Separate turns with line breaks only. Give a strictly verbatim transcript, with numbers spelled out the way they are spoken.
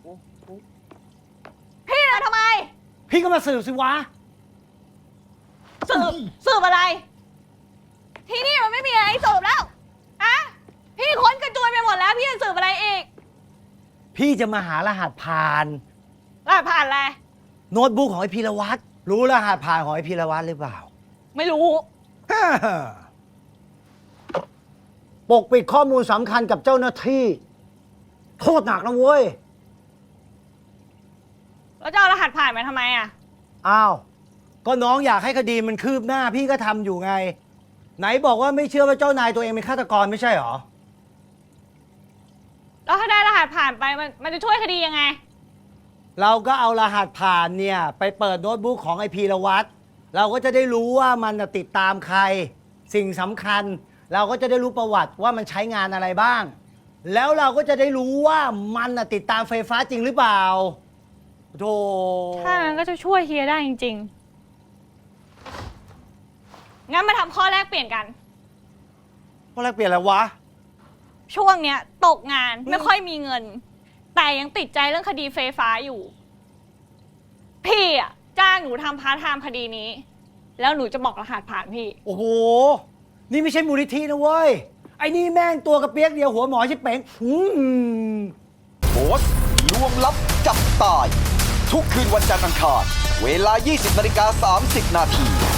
พี่นะทำไม
พี่ก็มาสืบสิวะ
สืบสืบอะไร ที่นี่มันไม่มีอะไรให้สืบแล้วอะพี่ค้นกระจุยไปหมดแล้วพี่จะสืบอะไรอีก
พี่จะมาหารหัสผ่าน
รหัสผ่านอะไร
โน้ตบุ๊กของไอพีรวัตรรู้รหัสผ่านของไอพีรวัตรหรือเปล่า
ไม่รู้
ปกปิดข้อมูลสำคัญกับเจ้าหน้าที่ โทษหนักนะเว้ย
แล้วจะเอารหัสผ่านมาทำไมอะ
อ้าว ก็น้องอยากให้คดีมันคืบหน้าพี่ก็ทำอยู่ไง ไหนบอกว่าไม่เชื่อว่าเจ้านายตัวเองเป็นฆาตกรไม่ใช่หรอ
แล้วถ้าได้รหัสผ่านไปมันมันจะช่วยคดียังไง
เราก็เอารหัสผ่านเนี่ยไปเปิดโน้ตบุ๊กของไอพีรวัตรเราก็จะได้รู้ว่ามันน่ะติดตามใคร สิ่งสำคัญ เราก็จะได้รู้ประวัติว่ามันใช้งานอะไรบ้าง แล้วเราก็จะได้รู้ว่ามันน่ะติดตามไฟฟ้าจริงหรือเปล่าโธ่
ถ้างั้นก็จะช่วยเฮียได้จริงๆ งั้นมาทำข้อแรกเปลี่ยนกัน
ว่าแลกเปลี่ยนอะไรวะ
ช่วงเนี้ยตกงานไม่ค่อยมีเงิน แต่ยังติดใจเรื่องคดีไฟฟ้าอยู่ พี่อะจ้างหนูทำพาร์ทไทม์คดีนี้ แล้วหนูจะบอกรหัสผ่านพี่
โอ้โห นี่ไม่ใช่มูลนิธินะเว้ย ไอ้นี่แม่งตัวกระเปียกเดียวหัวหมอชิบเป๋งอืม
โพสต์ลวงลับจับตาย ทุกคืนวันจันทร์อังคารเวลา ยี่สิบนาฬิกาสามสิบนาที